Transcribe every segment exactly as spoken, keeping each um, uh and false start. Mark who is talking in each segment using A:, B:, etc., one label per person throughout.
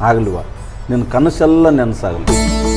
A: ಆಗಲಿವ ನಿನ್ನ ಕನಸೆಲ್ಲ ನೆನಸಾಗಲಿ.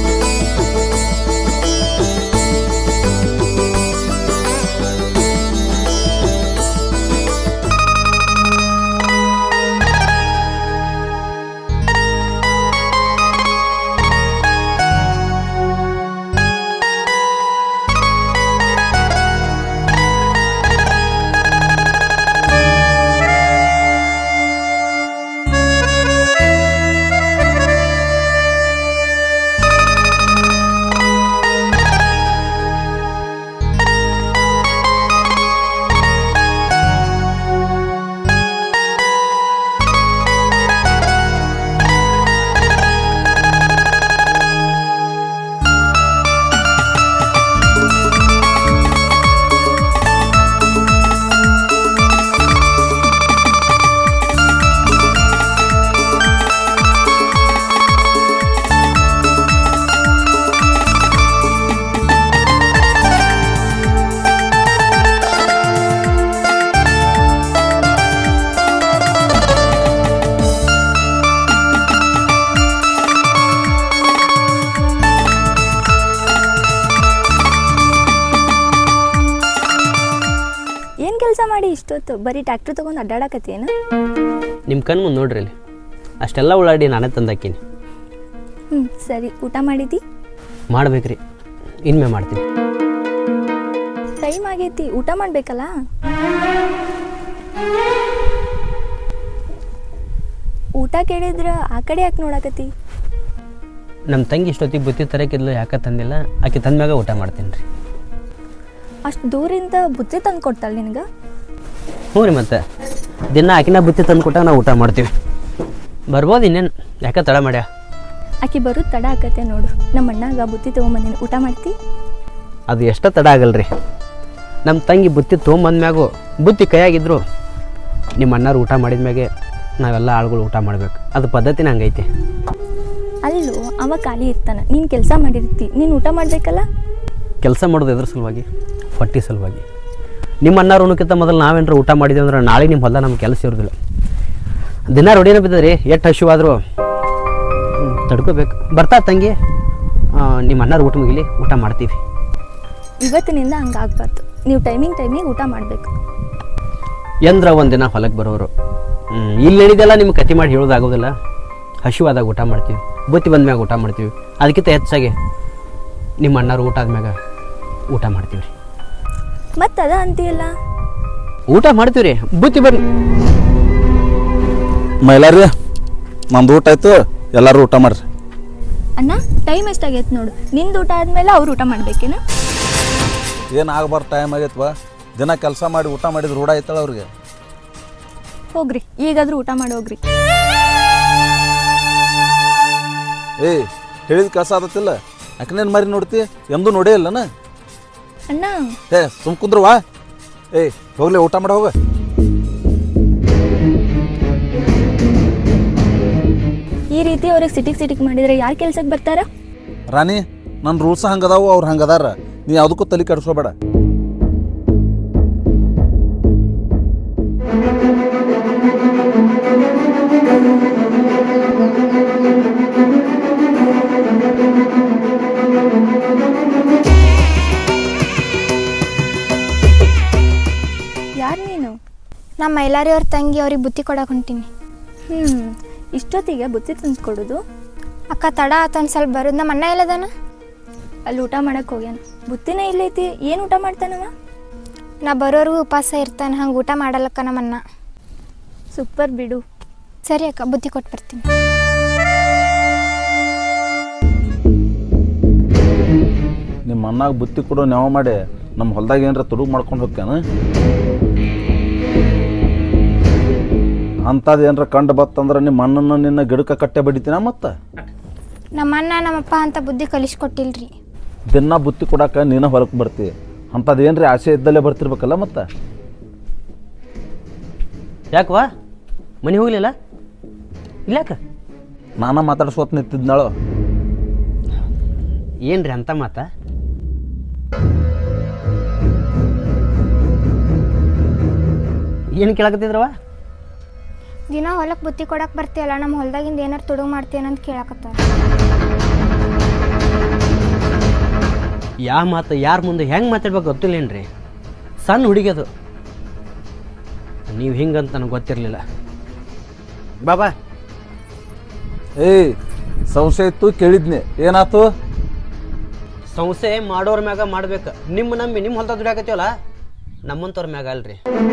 B: ಕೆಲಸ ಮಾಡಿ ಇಷ್ಟೊತ್ತು ಬರೀ ಟ್ರ್ಯಾಕ್ಟರ್ ತೊಗೊಂಡು ಅಡ್ಡಾಡಕತ್ತೇನು?
C: ನಿಮ್ಮ ಕಣ್ಣು ಮುಂದೆ ನೋಡ್ರಿ ಅಲ್ಲಿ ಅಷ್ಟೆಲ್ಲ ಉಳ್ಳಾಡಿ ನಾನೇ ತಂದಾಕೀನಿ.
B: ಹ್ಞೂ ಸರಿ, ಊಟ ಮಾಡಿದ್ದಿ?
C: ಮಾಡ್ಬೇಕ್ರಿ, ಇನ್ಮೆ ಮಾಡ್ತೀನಿ.
B: ಟೈಮ್ ಆಗೈತಿ, ಊಟ ಮಾಡಬೇಕಲ್ಲ. ಊಟ ಕೇಳಿದ್ರ ಆ ಕಡೆ ಯಾಕೆ ನೋಡಕತ್ತಿ?
C: ನಮ್ಮ ತಂಗಿ ಇಷ್ಟೊತ್ತಿಗೆ ಬುತ್ತಿ ತರಕಿದ್ಲು, ಯಾಕೆ ತಂದಿಲ್ಲ, ಆಕೆ ತಂದ್ಮ್ಯಾಗ ಊಟ ಮಾಡ್ತೀನಿ ರೀ.
B: ಅಷ್ಟು ದೂರಿಂದ ಬುತ್ತಿ ತಂದು ಕೊಡ್ತಾಳೆ ನಿನಗೆ?
C: ಹ್ಞೂ ರೀ, ಮತ್ತೆ ದಿನ ಆಕಿನ ಬುತ್ತಿ ತಂದು ಕೊಟ್ಟಾಗ ನಾವು ಊಟ ಮಾಡ್ತೀವಿ. ಬರ್ಬೋದು ಇನ್ನೇನು, ಯಾಕೆ ತಡ ಮಾಡ್ಯಾ?
B: ಆಕಿ ಬರೋದು ತಡ ಆಕತ್ತೆ ನೋಡು. ನಮ್ಮ ಅಣ್ಣಾಗ ಬುತ್ತಿ ತೊಗೊಂಬಂದಿನಿ, ಊಟ ಮಾಡ್ತಿ?
C: ಅದು ಎಷ್ಟೋ ತಡ ಆಗಲ್ರಿ. ನಮ್ಮ ತಂಗಿ ಬುತ್ತಿ ತೊಗೊಂಬಂದ್ಮ್ಯಾಗು ಬುತ್ತಿ ಕೈಯಾಗಿದ್ರು ನಿಮ್ಮ ಅಣ್ಣಾರು ಊಟ ಮಾಡಿದ ಮ್ಯಾಗೆ ನಾವೆಲ್ಲ ಆಳುಗಳು ಊಟ ಮಾಡ್ಬೇಕು. ಅದು ಪದ್ಧತಿನ ಹಂಗೈತಿ.
B: ಅಲ್ಲೂ ಅವ ಖಾಲಿ ಇರ್ತಾನೆ, ನೀನು ಕೆಲಸ ಮಾಡಿರ್ತಿ, ನೀನು ಊಟ ಮಾಡಬೇಕಲ್ಲ.
C: ಕೆಲಸ ಮಾಡೋದು ಎದ್ರ ಸಲುವಾಗಿ? ಹೊಟ್ಟೆ ಸಲುವಾಗಿ. ನಿಮ್ಮ ಅಣ್ಣಾರು ಉಣ್ಣಕ್ಕಿಂತ ಮೊದಲು ನಾವೇನಾರು ಊಟ ಮಾಡಿದ್ವಿ ಅಂದ್ರೆ ನಾಳೆ ನಿಮ್ಮ ಹೊಲ ನಮ್ಗೆ ಕೆಲಸ ಇರೋದಿಲ್ಲ. ದಿನ ರೊಡಿನ ಬಿದ್ದದ್ರಿ, ಎಷ್ಟು ಹಸಿವಾದರೂ ತಡ್ಕೋಬೇಕು. ಬರ್ತಾ ತಂಗಿ, ನಿಮ್ಮ ಅಣ್ಣಾರು ಊಟ ಮುಗಿಲಿ, ಊಟ ಮಾಡ್ತೀವಿ.
B: ಇವತ್ತಿನಿಂದ ಹಂಗೆ ಆಗಬಾರ್ದು. ನೀವು ಟೈಮಿಂಗ್ ಟೈಮಿಗೆ ಊಟ ಮಾಡಬೇಕು.
C: ಎಂದ್ರ ಒಂದಿನ ಹೊಲಕ್ಕೆ ಬರೋರು ಇಲ್ಲಿ ಹೇಳಿದೆಲ್ಲ ನಿಮ್ಗೆ ಕತಿ ಮಾಡಿ ಹೇಳೋದಾಗೋದಿಲ್ಲ. ಹಸಿವಾದಾಗ ಊಟ ಮಾಡ್ತೀವಿ, ಬುತ್ತಿ ಬಂದ ಮ್ಯಾಗ ಊಟ ಮಾಡ್ತೀವಿ. ಅದಕ್ಕಿಂತ ಹೆಚ್ಚಾಗಿ ನಿಮ್ಮ ಅಣ್ಣಾರು ಊಟ ಆದ್ಮ್ಯಾಗ ಊಟ ಮಾಡ್ತೀವಿ ರೀ.
B: ಮತ್ತು ಅದ ಅಂತೀಯಲ್ಲ,
C: ಊಟ ಮಾಡ್ತೀವಿ ರೀ, ಬುತ್ತಿ ಬರ್ರಿ.
A: ಮೈಲಾರಿ, ನಮ್ದು ಊಟ ಆಯ್ತು, ಎಲ್ಲರೂ ಊಟ ಮಾಡ್ರಿ.
B: ಅಣ್ಣ ಟೈಮ್ ಎಷ್ಟಾಗೈತೆ ನೋಡು. ನಿಂದು ಊಟ ಆದಮೇಲೆ ಅವ್ರು ಊಟ ಮಾಡ್ಬೇಕೇನ?
A: ಏನು ಆಗಬಾರ್ದು ಟೈಮ್ ಆಗೈತ್ವ. ದಿನ ಕೆಲಸ ಮಾಡಿ ಊಟ ಮಾಡಿದ್ರೆ ರೂಢ ಆಯ್ತಲ್ಲ ಅವ್ರಿಗೆ.
B: ಹೋಗ್ರಿ, ಈಗಾದ್ರೂ ಊಟ ಮಾಡಿ ಹೋಗ್ರಿ.
A: ಏಯ್, ಹೇಳಿದ ಕೆಲಸ ಆದತ್ತಿಲ್ಲ. ಯಾಕನೇನು ಮಾರಿ ನೋಡ್ತಿ? ಎಂದೂ ನೋಡೇ ಇಲ್ಲನ
B: ಅಣ್ಣ.
A: ಏ ಸುಮ್ ಕುಂದ್ರವಾ. ಏಯ್ ಹೋಗ್ಲಿ, ಊಟ ಮಾಡಿ ಹೋಗ.
B: ಈ ರೀತಿ ಅವ್ರಿಗೆ ಸಿಟಿಗೆ ಸಿಟಿಗೆ ಮಾಡಿದ್ರೆ ಯಾರು ಕೆಲ್ಸಕ್ಕೆ ಬರ್ತಾರ?
A: ರಾಣಿ, ನನ್ನ ರೂಲ್ಸ್ ಹಂಗದಾವು, ಅವ್ರು ಹಂಗದಾರ. ನೀ ಯಾವುದಕ್ಕೂ ತಲೆ ಕೆಡಿಸ್ಕೋಬೇಡ.
B: ಯಾರು ನೀನು?
D: ನಮ್ಮ ಮೈಲಾರಿ ಅವ್ರ ತಂಗಿ, ಅವ್ರಿಗೆ ಬುತ್ತಿ ಕೊಡಕ್ಕೆ ಹೊಂಟೀನಿ.
B: ಹ್ಞೂ ಇಷ್ಟೊತ್ತಿಗೆ ಬುತ್ತಿ ತಂದು ಕೊಡೋದು?
D: ಅಕ್ಕ ತಡ ಆತ, ಒಂದು ಸ್ವಲ್ಪ ಬರೋದು. ನಮ್ಮ ಅಣ್ಣ ಎಲ್ಲದಾನ?
B: ಅಲ್ಲಿ ಊಟ ಮಾಡಕ್ಕೆ ಹೋಗ್ಯಾನ. ಬುತ್ತಿನ ಇಲ್ಲೈತಿ, ಏನು ಊಟ ಮಾಡ್ತಾನವ?
D: ನಾ ಬರೋರ್ಗೂ ಉಪವಾಸ ಇರ್ತಾನೆ, ಹಂಗೆ ಊಟ ಮಾಡಲ್ಲಕ್ಕ ನಮ್ಮ ಅಣ್ಣ.
B: ಸೂಪರ್ ಬಿಡು.
D: ಸರಿ ಅಕ್ಕ, ಬುತ್ತಿ ಕೊಟ್ಟು ಬರ್ತೀನಿ.
A: ನಿಮ್ಮ ಅಣ್ಣಾಗ ಬುತ್ತಿ ಕೊಡೋ ನೆವ ಮಾಡಿ ನಮ್ಮ ಹೊಲ್ದಾಗ ಏನಾರ ತುಡುಗು ಮಾಡ್ಕೊಂಡು ಹೋಗ್ಯಾನ. ಅಂಥದ್ದು ಏನಾರ ಕಂಡು ಬತ್ತಂದ್ರೆ ನಿಮ್ಮ ಅಣ್ಣನ ನಿನ್ನ ಗಿಡಕ್ಕೆ ಕಟ್ಟೆ ಬಡಿತೀನ. ಮತ್ತು
D: ನಮ್ಮ ಅಣ್ಣ ನಮ್ಮಪ್ಪ ಅಂತ ಬುದ್ಧಿ ಕಲಿಸ್ಕೊಟ್ಟಿಲ್ರಿ.
A: ದಿನ ಬುತ್ತಿ ಕೊಡಕ್ಕೆ ನೀನು ಹೊರಗೆ ಬರ್ತೀವಿ. ಅಂಥದ್ದು ಏನ್ರಿ ಆಸೆ ಇದ್ದಲ್ಲೇ ಬರ್ತಿರ್ಬೇಕಲ್ಲ. ಮತ್ತು
C: ಯಾಕವಾ ಮನೆ ಹೋಗ್ಲಿಲ್ಲ? ಇಲ್ಲಾಕ
A: ನಾನ ಮಾತಾಡ್ಸೋತ್ ನಿಂತಿದ್ನಾಳು.
C: ಏನ್ರಿ ಅಂತ ಮಾತಾ? ಏನು ಕೇಳಕತ್ತಿದ್ರವ?
D: ದಿನ ಹೊಲಕ್ಕೆ ಬುತ್ತಿ ಕೊಡಕ್ಕೆ ಬರ್ತೀಯಲ್ಲ, ನಮ್ಮ ಹೊಲ್ದಾಗಿಂದ ಏನಾರು ತುಡುಗು ಮಾಡ್ತೀಯನಂತ ಕೇಳಕತ್ತಾರ.
C: ಯಾವ ಮಾತು ಯಾರ ಮುಂದೆ ಹೆಂಗೆ ಮಾತಾಡ್ಬೇಕು ಗೊತ್ತಿಲ್ಲೇನ್ರಿ. ಸಣ್ಣ ಹುಡುಗಿ ಅದು, ನೀವು ಹಿಂಗಂತ ನನಗೆ ಗೊತ್ತಿರಲಿಲ್ಲ. ಬಾಬಾ
A: ಏಯ್ ಸಂಶಯ ಇತ್ತು ಕೇಳಿದ್ನಿ, ಏನಾಯ್ತು?
C: ಸಂಸ್ಥೆ ಮಾಡೋರ ಮ್ಯಾಗ ಮಾಡ್ಬೇಕು. ನಿಮ್ಮ ನಂಬಿ ನಿಮ್ಮ ಹೊಲ್ದಾಗ ದುಡಿಯಾಕತ್ತೀವಲ್ಲ, ನಮ್ಮಂತವ್ರ ಮ್ಯಾಗ ಅಲ್ರಿ.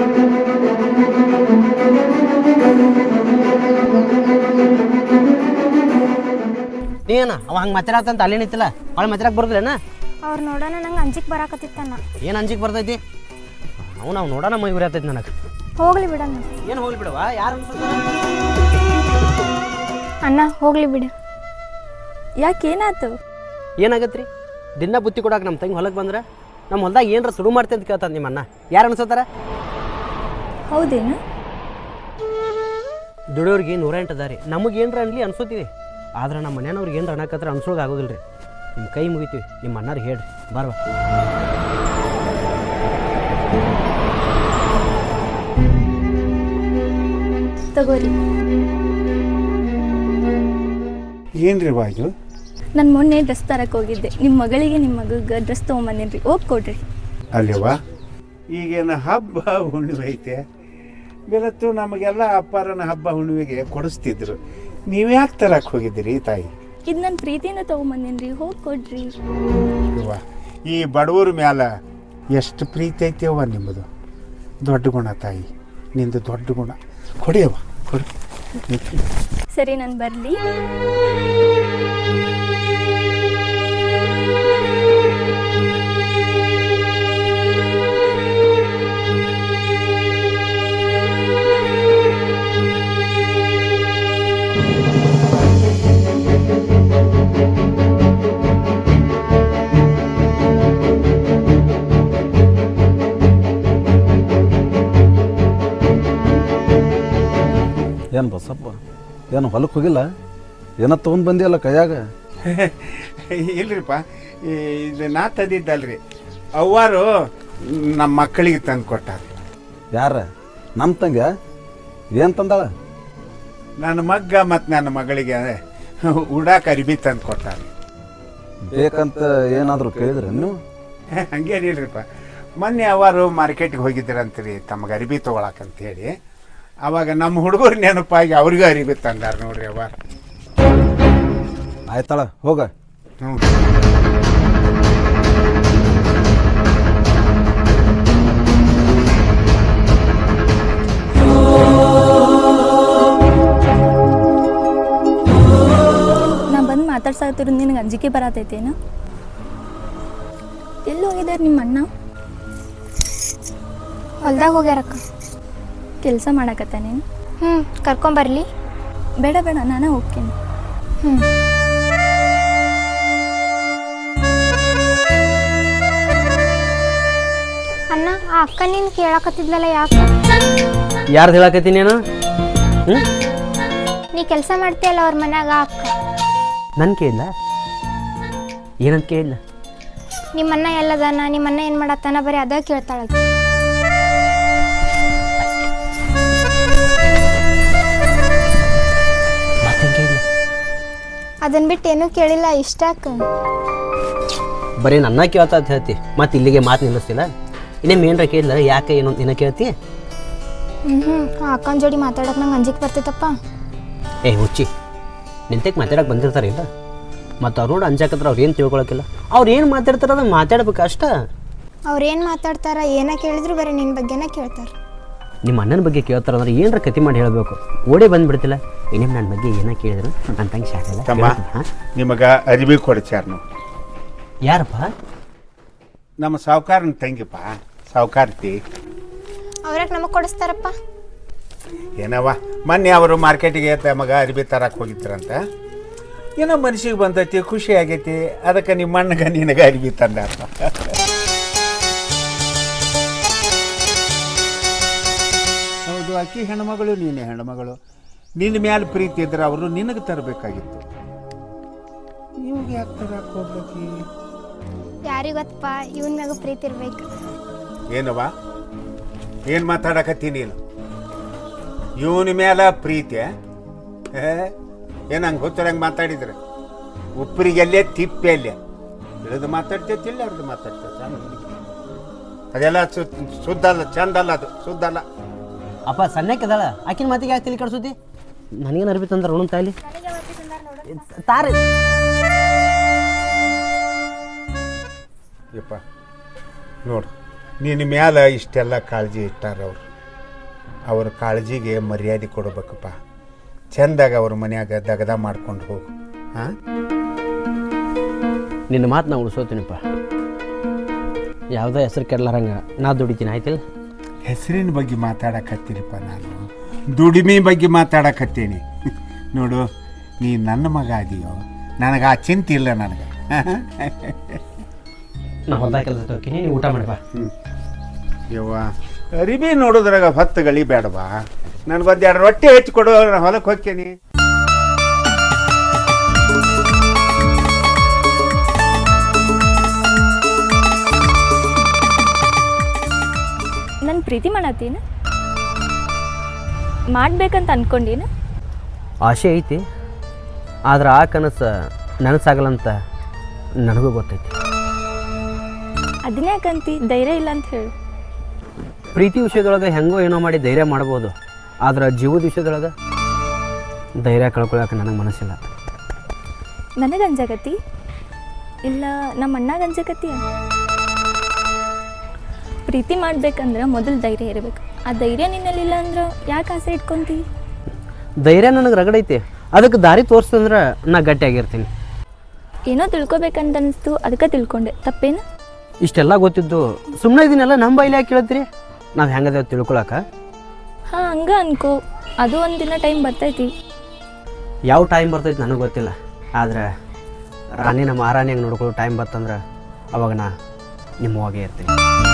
C: ನೀನ ಅವ ಹಂಗೆ ಮಾತಾಡತ್ತಂತ ಅಲ್ಲಿ ನಿಂತಿಲ್ಲ, ಅವಳು ಮಾತಾಡಕ್ಕೆ ಬರೋದಿಲ್ಲೇನ?
D: ಅವ್ರು ನೋಡೋಣ ನಂಗೆ ಅಂಜಿಕೆ ಬರಾಕತ್ತಿತ್ತಣ್ಣ.
C: ಏನು ಅಂಜಿಕೆ ಬರ್ತೈತಿ? ಅವು ನಾವು ನೋಡೋಣ ಮೈ ಉರಿಯತೈತಿ ನನಗೆ.
D: ಹೋಗ್ಲಿ ಬಿಡಣ್ಣ.
C: ಏನು ಹೋಗ್ಲಿ ಬಿಡವ? ಯಾರು
D: ಅಣ್ಣ ಹೋಗ್ಲಿ ಬಿಡು.
B: ಯಾಕೆ ಏನಾಯ್ತು?
C: ಏನಾಗತ್ರಿ? ದಿನ ಬುತ್ತಿ ಕೊಡಕ್ಕೆ ನಮ್ಮ ತಂಗಿ ಹೊಲಕ್ಕೆ ಬಂದ್ರೆ ನಮ್ಮ ಹೊಲ್ದಾಗ ಏನರ ಸುಡು ಮಾಡ್ತೀನಿ ಅಂತ ಕೇಳ್ತಾನೆ ನಿಮ್ಮ ಅಣ್ಣ. ಯಾರು ಅನ್ಸತ್ತಾರ?
B: ಹೌದೇನು?
C: ದುಡಿಯೋರಿಗೆ ನೂರ ಎಂಟು ಅದ ರೀ, ನಮಗೆ ಏನರ ಅನ್ಲಿ ಅನ್ಸೋತೀವಿ. ಆದ್ರೆ ನಮ್ಮ ಮನೆಯವ್ರಿಗೆ ಏನರ ಅನ್ನಕತ್ರ ಅನ್ಸೋಕೆ ಆಗೋದಿಲ್ಲ ರೀ. ನಿಮ್ಮ ಕೈ ಮುಗಿತೀವಿ, ನಿಮ್ಮ ಅಣ್ಣರಿಗೆ ಹೇಳ್ರಿ ಬಾರ್ವ.
B: ತಗೋರಿ.
E: ಏನ್ರಿ ಬಾಜು?
B: ನಾನು ಮೊನ್ನೆ ಡ್ರೆಸ್ ತರಕ್ಕೆ ಹೋಗಿದ್ದೆ, ನಿಮ್ಮ ಮಗಳಿಗೆ ನಿಮ್ಮ ಮಗಗೆ ಡ್ರೆಸ್ ತೊಗೊಂಬಂದೇನ್ರಿ, ಹೋಗಿ ಕೊಡ್ರಿ.
E: ಅಲ್ಲೇವಾ, ಈಗೇನು ಹಬ್ಬ ಹುಣ್ಣಿಮೆ ಐತೆ, ಬೆಳತ್ತು ನಮಗೆಲ್ಲ ಅಪ್ಪಾರನ ಹಬ್ಬ ಹುಣ್ಣಿಮೆಗೆ ಕೊಡಿಸ್ತಿದ್ರು. ನೀವ್ಯಾಕೆ ತರಕ್ಕೆ ಹೋಗಿದ್ದೀರಿ ತಾಯಿ?
B: ಇದು ನನ್ನ ಪ್ರೀತಿಯಿಂದ ತೊಗೊಂಬಂದೇನ್ರಿ, ಹೋಗಿ ಕೊಡ್ರಿ.
E: ಅವ್ವ, ಈ ಬಡವ್ರ ಮ್ಯಾಲ ಎಷ್ಟು ಪ್ರೀತಿ ಐತೆಯವ್ವ ನಿಮ್ಮದು. ದೊಡ್ಡ ಗುಣ ತಾಯಿ, ನಿಂದು ದೊಡ್ಡ ಗುಣ. ಕೊಡಿಯವ್ವ ಕೊಡಿ.
B: ಸರಿ, ನಾನು ಬರಲಿ.
A: ಏನು ಬಸಪ್ಪ, ಏನು ಹೊಲಕ್ಕೆ ಹೋಗಿಲ್ಲ? ಏನೋ ತೊಗೊಂಡು ಬಂದಿಯಲ್ಲ ಕೈಯಾಗ?
E: ಇಲ್ರಿಪ್ಪ, ಇದು ನಾ ತಂದಿದ್ದಲ್ರಿ, ಅವ್ವಾರು ನಮ್ಮ ಮಕ್ಕಳಿಗೆ ತಂದು ಕೊಟ್ಟಾರ.
A: ಯಾರ? ನಮ್ಮ ತಂಗ? ಏನು ತಂದಾಳ?
E: ನನ್ನ ಮಗ್ಗ ಮತ್ತು ನನ್ನ ಮಗಳಿಗೆ ಉಡಾಕ ಅರಿಬಿ ತಂದು ಕೊಟ್ಟಾರ.
A: ಬೇಕಂತ ಏನಾದರೂ ಕೇಳಿದ್ರೆ ನೀವು?
E: ಹಂಗೇನಿಲ್ರಿಪ್ಪ, ಮೊನ್ನೆ ಅವರು ಮಾರ್ಕೆಟ್ಗೆ ಹೋಗಿದ್ದೀರಂತೀರಿ ತಮಗೆ ಅರಿಬಿ ತೊಗೊಳಕಂತ ಹೇಳಿ. ಅವಾಗ ನಮ್ಮ ಹುಡುಗರು ನೆನಪಾಗಿ ಅವ್ರಿಗೂ ಅರಿಬಿ ತಂದಾರ ನೋಡ್ರಿ ಅವ್ವ.
A: ಆಯ್ತಾಳ, ಹೋಗ.
E: ಹ್ಞೂ
B: ನಾ ಬಂದು ಮಾತಾಡ್ಸಾಕತ್ತಿರು ನಿನಗೆ ಅಂಜಿಕೆ ಬರತೈತೇನು? ಎಲ್ಲಿ ಹೋಗಿದ್ದಾರೆ ನಿಮ್ಮ ಅಣ್ಣ?
D: ಹೊಲ್ದಾಗ ಹೋಗ್ಯಾರಕ್ಕ.
B: ಕೆಲಸ ಮಾಡಕತ್ತಾನೇನು?
D: ಹ್ಞೂ, ಕರ್ಕೊಂಬರ್ಲಿ.
B: ಬೇಡ ಬೇಡ, ನಾನೇ ಹೋಗ್ತೀನಿ.
D: ಹ್ಞೂ. ಅಣ್ಣ, ಆ ಅಕ್ಕ ನೀನು ಕೇಳಕತ್ತಿದ್ಲಲ್ಲ, ಯಾಕೆ?
C: ಯಾರ್ದು ಹೇಳಕತ್ತೀನಿ ನಾನು? ಹ್ಞೂ,
D: ನೀ ಕೆಲಸ ಮಾಡ್ತೀಯಲ್ಲ ಅವ್ರ ಮನ್ಯಾಗ, ಆ ಅಕ್ಕ.
C: ನನ್ನ ಕೇಳಿಲ್ಲ? ಏನಂತ ಕೇಳಿಲ್ಲ?
D: ನಿಮ್ಮಣ್ಣ ಎಲ್ಲದಾನ, ನಿಮ್ಮಣ್ಣ ಏನು ಮಾಡತ್ತಾನ, ಬರೀ ಅದ ಕೇಳ್ತಾಳ. ಅದನ್ನ ಬಿಟ್ಟು ಏನೂ ಕೇಳಿಲ್ಲ, ಇಷ್ಟಾಕ?
C: ಬರೀ ನನ್ನ ಕೇಳ್ತಾ ಅಂತ ಹೇಳ್ತಿ, ಮತ್ತೆ ಇಲ್ಲಿಗೆ ಮಾತು ನಿಲ್ಲಿಸ್ತಿಲ್ಲ. ಇನ್ನೇನು ಏನರ ಕೇಳಿಲ್ಲ, ಯಾಕೆ ಏನು ನಿನ್ನ ಕೇಳ್ತಿ?
D: ಹ್ಞೂ ಹ್ಞೂ ಆ ಅಕ್ಕನ ಜೋಡಿ ಮಾತಾಡೋಕೆ ನಂಗೆ ಅಂಜಿಕೆ ಬರ್ತೈತಪ್ಪ.
C: ಏ ಹುಚ್ಚಿ, ನಿಂತಕ್ಕೆ ಮಾತಾಡಕ್ಕೆ ಬಂದಿರ್ತಾರೆ ಇಲ್ಲ, ಮತ್ತು ಅವ್ರು ನೋಡಿ ಅಂಜಾಕತ್ರ ಅವ್ರು ಏನು ತಿಳ್ಕೊಳಕ್ಕಿಲ್ಲ. ಅವ್ರು ಏನು ಮಾತಾಡ್ತಾರೆ ಅದನ್ನು ಮಾತಾಡ್ಬೇಕು ಅಷ್ಟ.
D: ಅವ್ರೇನು ಮಾತಾಡ್ತಾರ, ಏನ ಕೇಳಿದ್ರು ಬರೀ ನಿನ್ನ ಬಗ್ಗೆನೇ ಕೇಳ್ತಾರೆ.
C: ನಿಮ್ಮ ಅಣ್ಣನ ಬಗ್ಗೆ ಕೇಳ್ತಾರೆ ಅಂದ್ರೆ ಏನರ ಕತಿ ಮಾಡಿ ಹೇಳಬೇಕು. ಓಡೇ ಬಂದುಬಿಡ್ತಿಲ್ಲ. ಇನ್ನೇನು ನನ್ನ ಬಗ್ಗೆ ಏನೋ ಕೇಳಿದ್ರು ನನ್ನ ತಂಗಿ ಶಾಖಲ್ಲ.
E: ತಮ್ಮ, ನಿಮಗೆ ಅರಿವಿ ಕೊಡ್ಚಾರ ನಾವು.
C: ಯಾರಪ್ಪ?
E: ನಮ್ಮ ಸಾವುಕಾರನ ತಂಗಿಪ್ಪ, ಸಾವುಕಾರ್ತಿ.
D: ಅವ್ರಾಗ ನಮಗೆ ಕೊಡಿಸ್ತಾರಪ್ಪ.
E: ಏನವ್ವ, ಮೊನ್ನೆ ಅವರು ಮಾರ್ಕೆಟಿಗೆ ತಮಗ ಅರಿವಿ ತರಕ್ಕೆ ಹೋಗಿದ್ರಂತ. ಏನೋ ಮನ್ಸಿಗೆ ಬಂದೈತಿ, ಖುಷಿ ಆಗೈತಿ, ಅದಕ್ಕೆ ನಿಮ್ಮ ಅಣ್ಣಗೆ ನಿನಗೆ ಅರಿವಿ ತಂದಾರ. ಹೌದು, ಆಕಿ ಹೆಣ್ಮಗಳು, ನೀನೇ ಹೆಣ್ಮಗಳು. ನಿನ್ನ ಮ್ಯಾಲೆ ಪ್ರೀತಿ ಇದ್ರೆ ಅವರು ನಿನಗೆ ತರಬೇಕಾಗಿತ್ತು. ಇವಾಗ ಯಾಕೆ ತರಕ್ಕೆ ಹೋಗ್ಬೇಕಿ?
D: ಯಾರಿಗೊತ್ತಪ್ಪ, ಇವನ್ ಮ್ಯಾಗ ಪ್ರೀತಿ ಇರ್ಬೇಕು.
E: ಏನವ್ವ, ಏನು ಮಾತಾಡಕತ್ತಿ ನೀನು? ಇವನ ಮೇಲೆ ಪ್ರೀತಿ ಏನು ಹಂಗೆ ಗೊತ್ತಿರಂಗೆ ಮಾತಾಡಿದ್ರೆ ಉಪ್ಪರಿಗೆಲ್ಲೇ ತಿಪ್ಪೆ ಅಲ್ಲೇ ಇಳಿದು ಮಾತಾಡ್ತೈತಿಲ್ಲ ಅವ್ರದ್ದು ಮಾತಾಡ್ತೈತೆ ಅದೆಲ್ಲ ಶುದ್ಧ ಅಲ್ಲ, ಚಂದ ಅಲ್ಲ, ಅದು ಶುದ್ಧ ಅಲ್ಲ.
C: ಅಪ್ಪ ಸಣ್ಣಕ್ಕಿದಾಳ ಆಕಿನ ಮಾತಿಗೆ ಯಾಕೆ ತಲೆ ಕಡ್ಸೋತಿ? ನನಗೇನು ಅರ್ಬಿ ತಂದ್ರೆ ಋಣ ತಾಯಿಲಿ ತಾರೆ
E: ಯಪ್ಪ ನೋಡು, ನಿನ್ನ ಮ್ಯಾಲ ಇಷ್ಟೆಲ್ಲ ಕಾಳಜಿ ಇಟ್ಟಾರ ಅವರು. ಅವ್ರ ಕಾಳಜಿಗೆ ಮರ್ಯಾದೆ ಕೊಡ್ಬೇಕಪ್ಪ. ಚೆಂದಾಗ ಅವ್ರ ಮನ್ಯಾಗ ದಗದ ಮಾಡ್ಕೊಂಡು ಹೋಗು. ಹಾಂ,
C: ನಿನ್ನ ಮಾತು ನಾ ಉಳಿಸೋತೀನಿಪ್ಪ. ಯಾವುದೋ ಹೆಸರು ಕೆಡ್ಲಾರಂಗ ನಾ ದುಡಿತೀನಿ ಆಯ್ತಿಲ್ಲ.
E: ಹೆಸರಿನ ಬಗ್ಗೆ ಮಾತಾಡಕತ್ತೀನಿಪ್ಪ ನಾನು, ದುಡಿಮೆ ಬಗ್ಗೆ ಮಾತಾಡಕತ್ತೀನಿ. ನೋಡು, ನೀ ನನ್ನ ಮಗ ಅದೀಯೋ, ನನಗೆ ಆ ಚಿಂತೆ ಇಲ್ಲ ನನಗೆ.
C: ನಾ ಹೊಲ್ದಾಗ ಕೆಲಸ ಹೋಗ್ತೀನಿ, ನೀವು ಊಟ ಮಾಡಿ ಬಾ.
E: ಯವ್ವ, ಅರಿಬಿ ನೋಡೋದ್ರಾಗ ಹೊತ್ತು ಗಳಿ ಬೇಡವಾ? ನನಗೊಂದು ಎರಡು ರೊಟ್ಟಿ ಹೆಚ್ಚು ಕೊಡು, ನಾನು ಹೊಲಕ್ಕೆ ಹೋಗ್ತೀನಿ.
B: ನನ್ನ ಪ್ರೀತಿ ಮಾಡತ್ತೀನ ಮಾಡ್ಬೇಕಂತ ಅನ್ಕೊಂಡೀನ?
C: ಆಸೆ ಐತಿ, ಆದ್ರೆ ಆ ಕನಸು ನನಸಾಗಲ್ಲ ಅಂತ ನನಗೂ ಗೊತ್ತೈತಿ.
B: ಅದನ್ನೇ ಯಾಕಂತಿ ಧೈರ್ಯ ಇಲ್ಲ ಅಂತ ಹೇಳು.
C: ಪ್ರೀತಿ ವಿಷಯದೊಳಗೆ ಹೆಂಗೋ ಏನೋ ಮಾಡಿ ಧೈರ್ಯ ಮಾಡ್ಬೋದು, ಆದ್ರೆ ಜೀವದ ವಿಷಯದೊಳಗೆ ಧೈರ್ಯ ಕಳ್ಕೊಳಕ್ಕೆ ನನಗೆ ಮನಸ್ಸಿಲ್ಲ.
B: ನನಗೆ ಅಂಜಾಕತಿ ಇಲ್ಲ ನಮ್ಮ ಅಣ್ಣಗೆ ಅಂಜಾಕತಿ? ಪ್ರೀತಿ ಮಾಡ್ಬೇಕಂದ್ರೆ ಮೊದಲು ಧೈರ್ಯ ಇರಬೇಕು. ಆ ಧೈರ್ಯ ನಿನ್ನಲ್ಲಿಲ್ಲ ಅಂದ್ರೆ ಯಾಕೆ ಆಸೆ ಇಟ್ಕೊಂತಿ?
C: ಧೈರ್ಯ ನನಗೆ ರಗಡೈತಿ, ಅದಕ್ಕೆ ದಾರಿ ತೋರಿಸ್ತಂದ್ರೆ ನಾ ಗಟ್ಟಿಯಾಗಿರ್ತೀನಿ.
B: ಏನೋ ತಿಳ್ಕೊಬೇಕಂತ ಅನಿಸ್ತು, ಅದಕ್ಕೆ ತಿಳ್ಕೊಂಡೆ. ತಪ್ಪೇನು?
C: ಇಷ್ಟೆಲ್ಲ ಗೊತ್ತಿದ್ದು ಸುಮ್ಮನೆ ಇದನ್ನೆಲ್ಲ ನಮ್ಮ ಬೈಲಿ ಯಾಕೆ ಕೇಳ್ತೀರಿ? ನಾವು ಹೆಂಗದೇವು ತಿಳ್ಕೊಳಕ?
B: ಹಾಂ, ಹಂಗೆ ಅನ್ಕೋ. ಅದು ಒಂದು ದಿನ ಟೈಮ್ ಬರ್ತೈತಿ.
C: ಯಾವ ಟೈಮ್ ಬರ್ತೈತಿ ನನಗೆ ಗೊತ್ತಿಲ್ಲ, ಆದ್ರೆ ರಾಣಿನ ಮಹಾರಾಣಿಯಾಗಿ ನೋಡ್ಕೊಳ್ಳೋ ಟೈಮ್ ಬರ್ತಂದ್ರೆ ಅವಾಗ ನಾ ನಿಮ್ಮವಾಗೇ ಇರ್ತೀನಿ.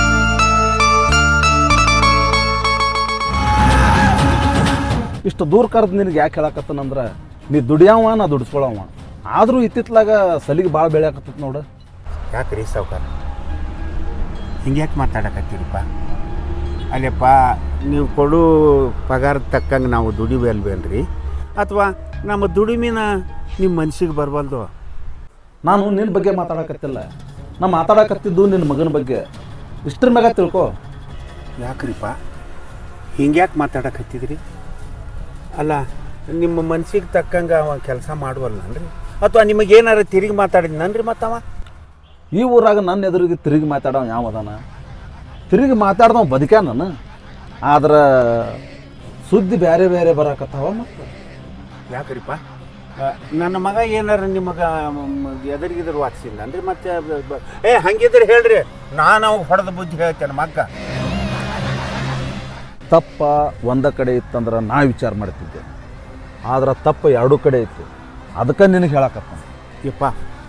A: ಇಷ್ಟು ದೂರ ಕರೆದು ನಿನಗೆ ಯಾಕೆ ಹೇಳಕತ್ತನಂದ್ರೆ ನೀ ದುಡಿಯವ ನಾ ದುಡಿಸ್ಕೊಳವ. ಆದರೂ ಇತ್ತಿತ್ಲಾಗ ಸಲಿಗೆ ಭಾಳ ಬೆಳೆಯಾಕತ್ತ ನೋಡು.
E: ಯಾಕೆ ರೀ ಸಾವ್ಕಾರ ಹಿಂಗೆ ಯಾಕೆ ಮಾತಾಡಕತ್ತೀರಪ್ಪ? ಅಲ್ಲಪ್ಪ, ನೀವು ಕೊಡು ಪಗಾರದ ತಕ್ಕಂಗೆ ನಾವು ದುಡಿಬೇಲ್ವೇನ್ರಿ? ಅಥವಾ ನಮ್ಮ ದುಡಿಮೆನ ನಿಮ್ಮ ಮನ್ಸಿಗೆ ಬರಬಲ್ದು?
A: ನಾನು ನಿನ್ನ ಬಗ್ಗೆ ಮಾತಾಡಕತ್ತಿಲ್ಲ, ನಾ ಮಾತಾಡಕತ್ತಿದ್ದು ನಿನ್ನ ಮಗನ ಬಗ್ಗೆ. ಇಷ್ಟ್ರ ಮ್ಯಾಗ ತಿಳ್ಕೊ.
E: ಯಾಕ್ರಿಪ್ಪ ಹಿಂಗೆ ಯಾಕೆ ಮಾತಾಡಕತ್ತಿದ್ರಿ? ಅಲ್ಲ, ನಿಮ್ಮ ಮನ್ಸಿಗೆ ತಕ್ಕಂಗೆ ಅವ ಕೆಲಸ ಮಾಡುವಲ್ಲನ್ರಿ? ಅಥವಾ ನಿಮಗೇನಾರು ತಿರುಗಿ ಮಾತಾಡಿದ್ನನ್ರಿ ಮತ್ತವ?
A: ಈ ಊರಾಗ ನನ್ನ ಎದುರಿಗೆ ತಿರುಗಿ ಮಾತಾಡೋ ಯಾವ ಅದಾನ? ತಿರುಗಿ ಮಾತಾಡ್ದವ ಬದುಕ್ಯಾ ನಾನು. ಆದ್ರೆ ಸುದ್ದಿ ಬೇರೆ ಬೇರೆ ಬರಾಕತ್ತಾವ. ಮತ್ತು
E: ಯಾಕ್ರಿಪ್ಪ, ನನ್ನ ಮಗ ಏನಾರ ನಿಮಗೆ ಎದುರಿಗಿದ್ರು ವಾಚಿಸಿಲ್ಲನ್ರಿ? ಮತ್ತೆ ಏ ಹಂಗಿದ್ರೆ ಹೇಳ್ರಿ, ನಾನು ಅವಾಗ ಹೊಡೆದ ಬುದ್ಧಿ ಹೇಳ್ತೇನೆ. ಮಗ್ಗ
A: ತಪ್ಪ ಒಂದ ಕಡೆ ಇತ್ತಂದ್ರೆ ನಾ ವಿಚಾರ ಮಾಡ್ತಿದ್ದೆ, ಆದ್ರೆ ತಪ್ಪ ಎರಡೂ ಕಡೆ ಇತ್ತು. ಅದಕ್ಕೆ ನಿನಗೆ ಹೇಳಕತ್ತ.
E: ಯಪ್ಪ,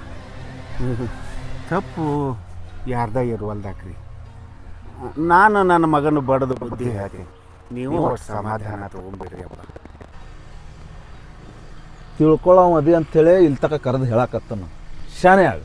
E: ತಪ್ಪು ಯಾರ್ದ ಇರುವಲ್ದಾಕ್ರಿ. ನಾನು ನನ್ನ ಮಗನ ಬಡದು ಬುದ್ಧಿ ಹೇಳ್ತೀನಿ, ನೀವು ಸಮಾಧಾನ ತಗೊಂಬಿಡ್ರಿ ಅಪ್ಪ.
A: ತಿಳ್ಕೊಳ್ಳೋ ಮದಿ ಅಂಥೇಳಿ ಇಲ್ಲಿ ತಕ ಕರೆದು ಹೇಳಕತ್ತನು. ಶಾನೆ ಆಗ.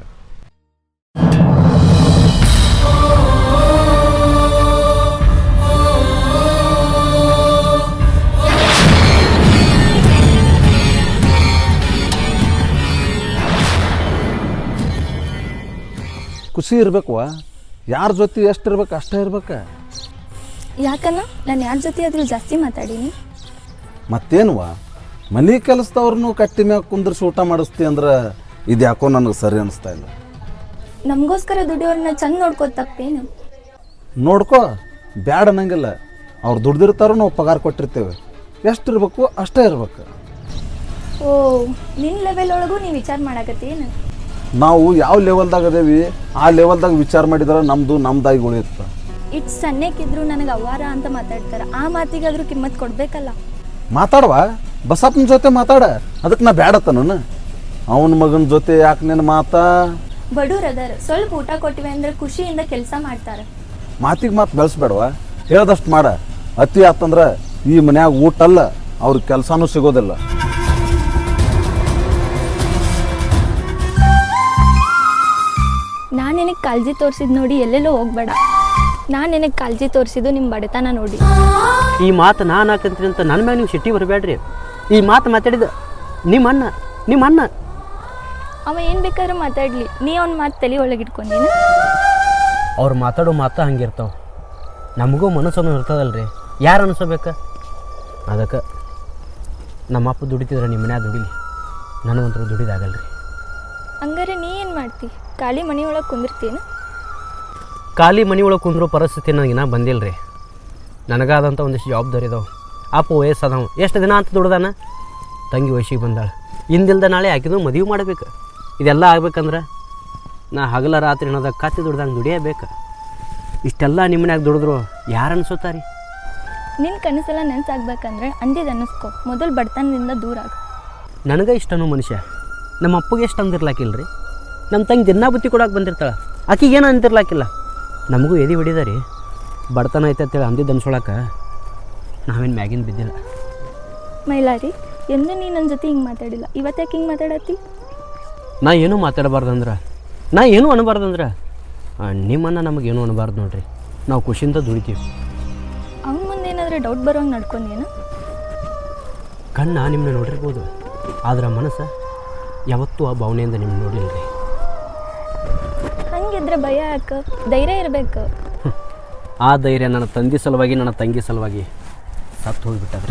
A: ಖುಷಿ ಇರ್ಬೇಕವ. ಯಾರ ಜೊತೆ ಎಷ್ಟು ಇರ್ಬೇಕು ಅಷ್ಟೇ ಇರ್ಬೇಕು.
B: ಯಾಕನ್ನ ನಾನು ಯಾರ ಜೊತೆ ಆದರೂ ಜಾಸ್ತಿ ಮಾತಾಡೀನಿ?
A: ಮತ್ತೇನುವ, ಮನೆ ಕೆಲಸದವ್ರನ್ನೂ ಕಟ್ಟಿ ಮ್ಯಾಗ ಕುಂದ್ರಿಸಿ ಊಟ ಮಾಡಿಸ್ತಿ ಅಂದ್ರೆ ಇದು ಯಾಕೋ ನನಗೆ ಸರಿ ಅನಿಸ್ತಾ ಇಲ್ಲ.
B: ನಮಗೋಸ್ಕರ ದುಡಿಯೋರನ್ನ ಚಂದ ನೋಡ್ಕೋ. ತಪ್ಪೇನು?
A: ನೋಡ್ಕೋ, ಬ್ಯಾಡ ಅನ್ನಂಗಿಲ್ಲ. ಅವ್ರು ದುಡ್ದಿರ್ತಾರೋ ನಾವು ಪಗಾರ ಕೊಟ್ಟಿರ್ತೇವೆ. ಎಷ್ಟು ಇರ್ಬೇಕು ಅಷ್ಟೇ ಇರ್ಬೇಕು.
B: ಓ, ನಿನ್ನ ಲೆವೆಲ್ ಒಳಗೂ ನೀವು ವಿಚಾರ ಮಾಡಕತ್ತೇನು?
A: ನಾವು ಯಾವ ಲೆವೆಲ್ದಾಗ ಅದೇವಿ ಆ ಲೆವೆಲ್ದಾಗ ವಿಚಾರ ಮಾಡಿದ್ರೆ ನಮ್ಮದು ನಮ್ದಾಗಿ ಉಳಿಯುತ್ತೆ.
B: ಇಟ್ಟು ಸಣ್ಣಕ್ಕಿದ್ರು ನನಗೆ ಅವ್ವಾರ ಅಂತ ಮಾತಾಡ್ತಾರೆ. ಆ ಮಾತಿಗಾದ್ರೂ ಕಿಮ್ಮತ್ ಕೊಡ್ಬೇಕಲ್ಲ.
A: ಮಾತಾಡುವ, ಬಸಪ್ಪನ ಜೊತೆ ಮಾತಾಡ. ಅದಕ್ಕೆ ನಾ ಬ್ಯಾಡತ್ತ ನಾನು ಅವನ ಮಗನ ಜೊತೆ ಯಾಕೆ ನಿನ್ನ ಮಾತಾ?
B: ಬಡವ್ರು ಅದಾರ, ಸ್ವಲ್ಪ ಊಟ ಕೊಟ್ಟಿವೆ ಅಂದ್ರೆ ಖುಷಿಯಿಂದ ಕೆಲಸ ಮಾಡ್ತಾರೆ.
A: ಮಾತಿಗೆ ಮಾತು ಬೆಳೆಸ್ಬೇಡವ, ಹೇಳ್ದಷ್ಟು ಮಾಡ. ಅತಿ ಆತಂದ್ರೆ ಈ ಮನ್ಯಾಗ ಊಟ ಅಲ್ಲ, ಅವ್ರ ಕೆಲಸನೂ ಸಿಗೋದಿಲ್ಲ.
B: ನಾನು ನಿನಗೆ ಕಾಳಜಿ ತೋರಿಸಿದ್ ನೋಡಿ ಎಲ್ಲೆಲ್ಲೋ ಹೋಗ್ಬೇಡ. ನಾನು ನಿನಗೆ ಕಾಳಜಿ ತೋರಿಸಿದ್ದು ನಿಮ್ಮ ಬಡತನ ನೋಡಿ.
C: ಈ ಮಾತು ನಾನು ಹಾಕಂತೀನಿ ಅಂತ ನನ್ನ ಮ್ಯಾಗ ನೀವು ಸಿಟ್ಟಿ ಬರಬೇಡ್ರಿ. ಈ ಮಾತು ಮಾತಾಡಿದ ನಿಮ್ಮ ಅಣ್ಣ ನಿಮ್ಮ ಅಣ್ಣ
B: ಅವ ಏನು ಬೇಕಾದ್ರೂ ಮಾತಾಡಲಿ, ನೀ ಅವ್ನ ಮಾತು ತಲೆ ಒಳಗೆ ಇಟ್ಕೊಂಡೀನಿ.
C: ಅವ್ರು ಮಾತಾಡೋ ಮಾತು ಹಂಗಿರ್ತಾವೆ. ನಮಗೂ ಮನಸ್ಸನ್ನು ಇರ್ತದಲ್ರಿ, ಯಾರು ಅನಿಸ್ಬೇಕು. ಅದಕ್ಕೆ ನಮ್ಮಪ್ಪ ದುಡಿತಿದ್ರೆ ನಿಮ್ಮ ಮನ್ಯಾಗ ದುಡಿಲಿ, ನನಗಂತೂ ದುಡಿದಾಗಲ್ರಿ.
B: ಹಂಗಾರೆ ನೀ ಏನು ಮಾಡ್ತಿ? ಖಾಲಿ ಮನೆ ಒಳಗೆ ಕುಂದಿರ್ತೀನಿ.
C: ಖಾಲಿ ಮನೆ ಒಳಗೆ ಕುಂದ್ರೋ ಪರಿಸ್ಥಿತಿ ನನಗಿನ್ನ ಬಂದಿಲ್ಲ ರೀ. ನನಗಾದಂಥ ಒಂದಿಷ್ಟು ಜವಾಬ್ದಾರಿ ಇದಾವೆ. ಅಪ್ಪ ವಯಸ್ಸದವ ಎಷ್ಟು ದಿನ ಅಂತ ದುಡ್ದಾನ, ತಂಗಿ ವಯಸ್ಸಿಗೆ ಬಂದಾಳೆ. ಇಂದಿಲ್ದ ನಾಳೆ ಆಕಿದು ಮದುವೆ ಮಾಡಬೇಕು. ಇದೆಲ್ಲ ಆಗ್ಬೇಕಂದ್ರೆ ನಾ ಹಗಲ ರಾತ್ರಿ ಅನ್ನೋದಾಗ ಕತ್ತಿ ದುಡ್ದಂಗೆ ದುಡಿಯಬೇಕು. ಇಷ್ಟೆಲ್ಲ ನಿಮ್ಮನ್ಯಾಗ ದುಡಿದ್ರು ಯಾರು ಅನ್ಸುತ್ತಾರೆ?
B: ನಿನ್ನ ಕನಸೆಲ್ಲ ನೆನ್ಸಾಗ್ಬೇಕಂದ್ರೆ ಅಂದಿದ್ದು ಅನ್ನಿಸ್ಕೊ, ಮೊದಲು ಬಡತನದಿಂದ ದೂರ ಆಗ.
C: ನನಗೆ ಇಷ್ಟನೋ ಮನುಷ್ಯ, ನಮ್ಮ ಅಪ್ಪಗೆ ಎಷ್ಟು ಅಂದಿರ್ಲಾಕಿಲ್ಲ ರೀ. ನಮ್ಮ ತಂಗಿ ದಿನ ಬುತ್ತಿ ಕೊಡೋಕೆ ಬಂದಿರ್ತಾಳೆ, ಆಕಿಗೆ ಏನು ಅಂತಿರ್ಲಾಕಿಲ್ಲ. ನಮಗೂ ಎದೆ ಬಿಡಿದ ರೀ, ಬಡತನ ಐತೆ ಅಂತೇಳಿ ಅಂದಿದ್ದು ಅನ್ಸೋಳಕ್ಕೆ ನಾವೇನು ಮ್ಯಾಗಿನ ಬಿದ್ದಿಲ್ಲ.
B: ಮೈಲಾರಿ, ಎಂದು ನೀ ನನ್ನ ಜೊತೆ ಹಿಂಗೆ ಮಾತಾಡಿಲ್ಲ, ಇವತ್ತಾಕೆ ಹಿಂಗೆ ಮಾತಾಡತ್ತಿ?
C: ನಾ ಏನೂ ಮಾತಾಡಬಾರ್ದಂದ್ರೆ, ನಾ ಏನೂ ಅನ್ನಬಾರ್ದಂದ್ರೆ ನಿಮ್ಮನ್ನು ನಮಗೇನು ಅನ್ನಬಾರ್ದು ನೋಡ್ರಿ. ನಾವು ಖುಷಿಯಿಂದ ದುಡಿತೀವಿ.
B: ಅವ್ನ ಮುಂದೆ ಏನಾದರೂ ಡೌಟ್ ಬರೋಂಗೆ ನಡ್ಕೊಂಡೇನು?
C: ಕಣ್ಣ ನಿಮ್ಮನ್ನ ನೋಡಿರ್ಬೋದು, ಆದ್ರೆ ಮನಸ್ಸು ಯಾವತ್ತೂ ಆ ಭಾವನೆಯಿಂದ ನಿಮ್ಗೆ ನೋಡಿಲ್ಲ ರೀ.
B: ಹಂಗಿದ್ರೆ ಭಯ ಯಾಕೆ? ಧೈರ್ಯ ಇರಬೇಕು.
C: ಆ ಧೈರ್ಯ ನನ್ನ ತಂದೆ ಸಲುವಾಗಿ, ನನ್ನ ತಂಗಿ ಸಲುವಾಗಿ ಸತ್ತು ಹೋಗಿಬಿಟ್ಟದ್ರಿ.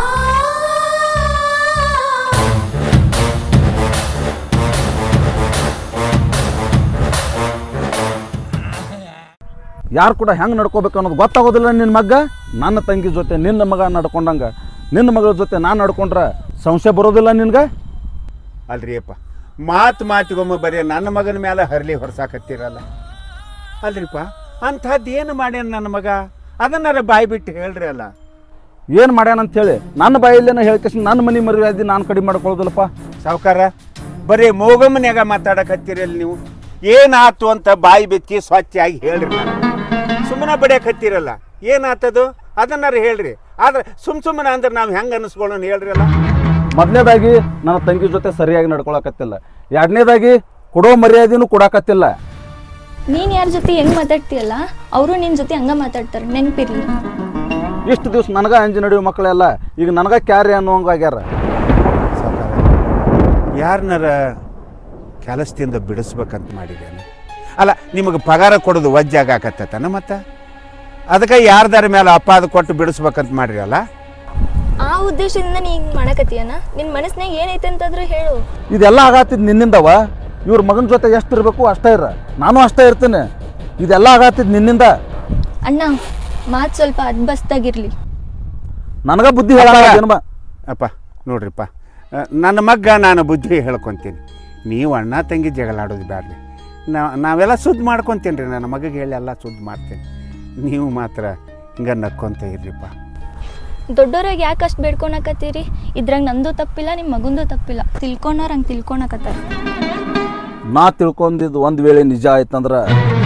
A: ಯಾರು ಕೂಡ ಹೆಂಗೆ ನಡ್ಕೋಬೇಕು ಅನ್ನೋದು ಗೊತ್ತಾಗೋದಿಲ್ಲ ನಿನ್ನ ಮಗ. ನನ್ನ ತಂಗಿ ಜೊತೆ ನಿನ್ನ ಮಗ ನಡ್ಕೊಂಡಂಗೆ ನಿನ್ನ ಮಗಳ ಜೊತೆ ನಾನು ನಡ್ಕೊಂಡ್ರೆ ಸಂಶಯ ಬರೋದಿಲ್ಲ ನಿನ್ಗೆ?
E: ಅಲ್ರಿ ಅಪ್ಪ, ಮಾತು ಮಾತಿಗೊಮ್ಮೆ ಬರೀ ನನ್ನ ಮಗನ ಮೇಲೆ ಹರಲಿ ಹೊರಸಾಕತ್ತೀರಲ್ಲ. ಅಲ್ರಿಪ್ಪ, ಅಂಥದ್ದು ಏನು ಮಾಡ್ಯಾನ ನನ್ನ ಮಗ? ಅದನ್ನಾರ ಬಾಯಿ ಬಿಟ್ಟು ಹೇಳ್ರಿ ಅಲ್ಲ.
A: ಏನು ಮಾಡ್ಯಾನಂತೇಳಿ ನನ್ನ ಬಾಯಲ್ಲೇನ ಹೇಳ್ಕೇಸಿ ನನ್ನ ಮನೆ ಮರ್ಯಾದೆ ನಾನು ಕಡಿಮೆ ಮಾಡ್ಕೊಳ್ಳೋದಿಲ್ಲಪ್ಪ.
E: ಸಾವುಕಾರ, ಬರೀ ಮೋಗಮ್ಮನ್ಯಾಗ ಮಾತಾಡಕತ್ತೀರಲ್ಲ ನೀವು. ಏನಾತು ಅಂತ ಬಾಯಿ ಬೆಚ್ಚಿ ಸ್ವಚ್ಛಾಗಿ ಹೇಳ್ರಿ. ನಾನು ಸುಮ್ಮನೆ ಬಡಿಯಕತ್ತೀರಲ್ಲ, ಏನಾತದು ಅದನ್ನಾರು ಹೇಳ್ರಿ. ಆದ್ರೆ ಸುಮ್ ಸುಮ್ಮನೆ ಅಂದ್ರೆ ನಾವು ಹೆಂಗೆ ಅನ್ನಿಸ್ಕೊಳ್ಳೋಣ ಹೇಳ್ರಿ ಅಲ್ಲ.
A: ಮೊದಲನೇದಾಗಿ ನನ್ನ ತಂಗಿ ಜೊತೆ ಸರಿಯಾಗಿ ನಡ್ಕೊಳಕತ್ತಿಲ್ಲ. ಎರಡನೇದಾಗಿ ಕೊಡೋ ಮರ್ಯಾದೆನೂ ಕೊಡಾಕತ್ತಿಲ್ಲ.
B: ನೀನು ಯಾರ ಜೊತೆ ಹೆಂಗೆ ಮಾತಾಡ್ತೀಯಲ್ಲ, ಅವರು ನಿನ್ನ ಜೊತೆ ಹಂಗೆ ಮಾತಾಡ್ತಾರೆ, ನೆನಪಿರಲಿ.
A: ಇಷ್ಟು ದಿವ್ಸ ನನಗೆ ಅಂಜಿ ನಡೆಯುವ ಮಕ್ಕಳೆಲ್ಲ ಈಗ ನನಗೆ ಕ್ಯಾರಿ ಅನ್ನೋಂಗೆ ಆಗ್ಯಾರ.
E: ಸಾವುಕಾರ, ಯಾರನ್ನಾರ ಕೆಲಸದಿಂದ ಬಿಡಿಸ್ಬೇಕಂತ ಮಾಡಿದ್ದೇನೆ ಅಲ್ಲ. ನಿಮಗೆ ಪಗಾರ ಕೊಡೋದು ವಜ್ಜಾಗತ್ತನ ಮತ್ತೆ ಅದಕ್ಕೆ ಯಾರ್ದಾರ ಮೇಲೆ ಅಪಾದ ಕೊಟ್ಟು ಬಿಡಿಸ್ಬೇಕಂತ ಮಾಡ್ರಿ ಅಲ್ಲ.
B: ಆ ಉದ್ದೇಶದಿಂದ ನೀ ಹಿಂಗೆ ಮಾಡಕತ್ತೀಯನ? ನಿನ್ನ ಮನಸ್ಸಿನಾಗ ಏನೈತೆ ಅಂತಂದ್ರೆ ಹೇಳು.
A: ಇದೆಲ್ಲ ಆಗತ್ತಿದ್ ನಿನ್ನಿಂದವ. ಇವ್ರ ಮಗನ ಜೊತೆ ಎಷ್ಟು ಇರಬೇಕು ಅಷ್ಟೇ ಇರ, ನಾನು ಅಷ್ಟೇ ಇರ್ತೀನಿ. ಇದೆಲ್ಲ ಆಗತ್ತಿದ್ ನಿನ್ನಿಂದ.
B: ಅಣ್ಣ, ಮಾತು ಸ್ವಲ್ಪ ಅದ್ಬಸ್ತಾಗಿರ್ಲಿ.
A: ನನಗ ಬುದ್ಧಿ ಹೇಳ.
E: ಅಪ್ಪ ನೋಡ್ರಿಪ್ಪ, ನನ್ನ ಮಗ್ಗ ನಾನು ಬುದ್ಧಿ ಹೇಳ್ಕೊತೀನಿ. ನೀವು ಅಣ್ಣ ತಂಗಿ ಜಗಳಾಡೋದು ಬ್ಯಾಡ್ರಿ. ನಾ ನಾವೆಲ್ಲ ಸುದ್ದಿ ಮಾಡ್ಕೊತೀನಿ ರೀ. ನನ್ನ ಮಗಗೆ ಹೇಳಿ ಎಲ್ಲ ಸುದ್ದಿ ಮಾಡ್ತೀನಿ. ನೀವು ಮಾತ್ರ ಹಿಂಗೆ ನಕ್ಕೊಂತ ಇರ್ರಿಪ್ಪ.
B: ದೊಡ್ಡೋರಾಗ ಯಾಕೆ ಅಷ್ಟು ಬೇಡ್ಕೊಳಕತ್ತೀರಿ? ಇದ್ರಾಗ ನಂದು ತಪ್ಪಿಲ್ಲ, ನಿಮ್ಮ ಮಗಂದು ತಪ್ಪಿಲ್ಲ. ತಿಳ್ಕೊಂಡವ್ರು ಹಂಗೆ ತಿಳ್ಕೊಳಕತ್ತಾರ.
A: ನಾ ತಿಳ್ಕೊಂಡಿದ್ದು ಒಂದು ವೇಳೆ ನಿಜ ಆಯ್ತಂದ್ರೆ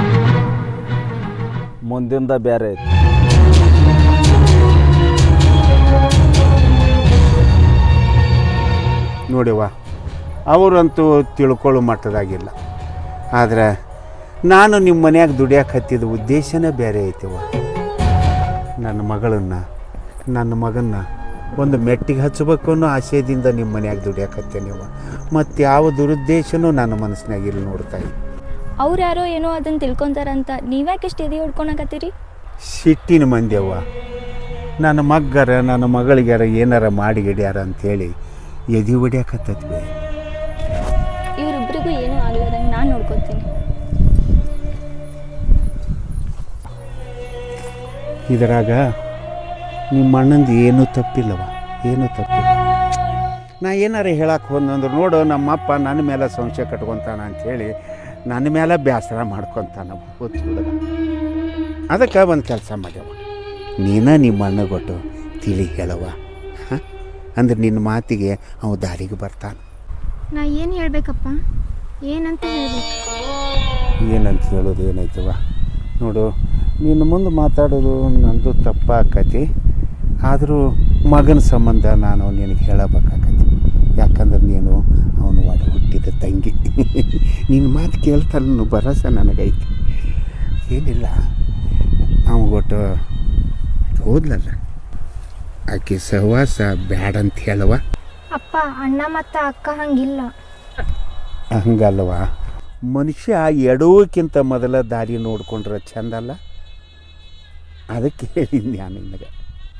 A: ಮುಂದಿಂದ ಬೇರೆ ಐತಿ.
E: ನೋಡಿವ, ಅವರಂತೂ ತಿಳ್ಕೊಳ್ಳೋ ಮಟ್ಟದಾಗಿಲ್ಲ. ಆದರೆ ನಾನು ನಿಮ್ಮ ಮನ್ಯಾಗ ದುಡಿಯಕ್ಕೆ ಹತ್ತಿದ ಉದ್ದೇಶನೇ ಬೇರೆ ಐತಿವ. ನನ್ನ ಮಗಳನ್ನು ನನ್ನ ಮಗನ್ನ ಒಂದು ಮೆಟ್ಟಿಗೆ ಹಚ್ಚಬೇಕು ಅನ್ನೋ ಆಶಯದಿಂದ ನಿಮ್ಮ ಮನ್ಯಾಗ ದುಡಿಯಕ್ಕೆ ಹತ್ತೇನಿವ. ಮತ್ತು ಯಾವ ದುರುದ್ದೇಶನೂ ನನ್ನ ಮನಸ್ಸಿನಾಗಿಲ್ಲ. ನೋಡ್ತಾ ಇದ್ದೆ
B: ಅವ್ರು ಯಾರೋ ಏನೋ ಅದನ್ನು ತಿಳ್ಕೊತಾರಂತ ನೀವ್ಯಾಕೆ ಎಷ್ಟು ಎದೆ ಹೊಡ್ಕೊಳಕತ್ತೀರಿ?
E: ಸಿಟ್ಟಿನ ಮಂದ್ಯವ್ವ. ನನ್ನ ಮಗ್ಗರ ನನ್ನ ಮಗಳಿಗಾರ ಏನಾರ ಮಾಡಿ ಗಿಡ್ಯಾರ ಅಂಥೇಳಿ ಎದೆ ಹೊಡ್ಯಾಕತ್ತದ್ವಿ.
B: ಇವರಿಬ್ಬರಿಗೂ ಏನೂ ಆಗ್ಲಾರಂಗೆ ನಾನು ನೋಡ್ಕೊತೀನಿ.
E: ಇದರಾಗ ನಿಮ್ಮ ಅಣ್ಣಂದು ಏನೂ ತಪ್ಪಿಲ್ಲವ, ಏನೂ ತಪ್ಪಿಲ್ಲ. ನಾ ಏನಾರ ಹೇಳಕ್ಕೆ ಹೋದಂದ್ರೆ ನೋಡು, ನಮ್ಮಪ್ಪ ನನ್ನ ಮೇಲೆ ಸಂಶಯ ಕಟ್ಕೊತಾನ ಅಂಥೇಳಿ ನನ್ನ ಮೇಲೆ ಬೇಸರ ಮಾಡ್ಕೊತಾನ ಗೊತ್ತು ಹುಡುಗ. ಅದಕ್ಕೆ ಒಂದು ಕೆಲಸ ಮಾಡ್ಯವ, ನೀನ ನಿಮ್ಮ ಅಣ್ಣ ಕೊಟ್ಟು ತಿಳಿ ಹೇಳವ. ಹಾಂ ಅಂದ್ರೆ ನಿನ್ನ ಮಾತಿಗೆ ಅವ ದಾರಿಗೆ ಬರ್ತಾನೆ.
D: ನಾ ಏನು ಹೇಳಬೇಕಪ್ಪ? ಏನಂತ ಹೇಳಬೇಕು?
E: ಏನಂತ ಹೇಳೋದು ಏನೈತವ? ನೋಡು, ನಿನ್ನ ಮುಂದೆ ಮಾತಾಡೋದು ನಂದು ತಪ್ಪಾಕತಿ. ಆದರೂ ಮಗನ ಸಂಬಂಧ ನಾನು ನಿನಗೆ ಹೇಳಬೇಕಾಗತ್ತೆ. ಯಾಕಂದ್ರೆ ನೀನು ಅವನು ಒಡ ಹುಟ್ಟಿದ ತಂಗಿ. ನಿನ್ನ ಮಾತು ಕೇಳ್ತಾನು ಭರವಸೆ ನನಗೈತಿ. ಏನಿಲ್ಲ, ಅವಗೊಟ್ಟು ಹೋದ್ಲಲ್ಲ, ಆಕೆ ಸಹವಾಸ ಬ್ಯಾಡ ಅಂತ ಹೇಳವ.
D: ಅಪ್ಪ ಅಣ್ಣ ಮತ್ತು ಅಕ್ಕ ಹಂಗಿಲ್ಲ.
E: ಹಂಗಲ್ವ, ಮನುಷ್ಯ ಎಡೋಕ್ಕಿಂತ ಮೊದಲ ದಾರಿ ನೋಡ್ಕೊಂಡ್ರೆ ಚಂದಲ್ಲ. ಅದಕ್ಕೆ ಹೇಳಿದ್ದೆ ನಾನು ನಿನಗೆ.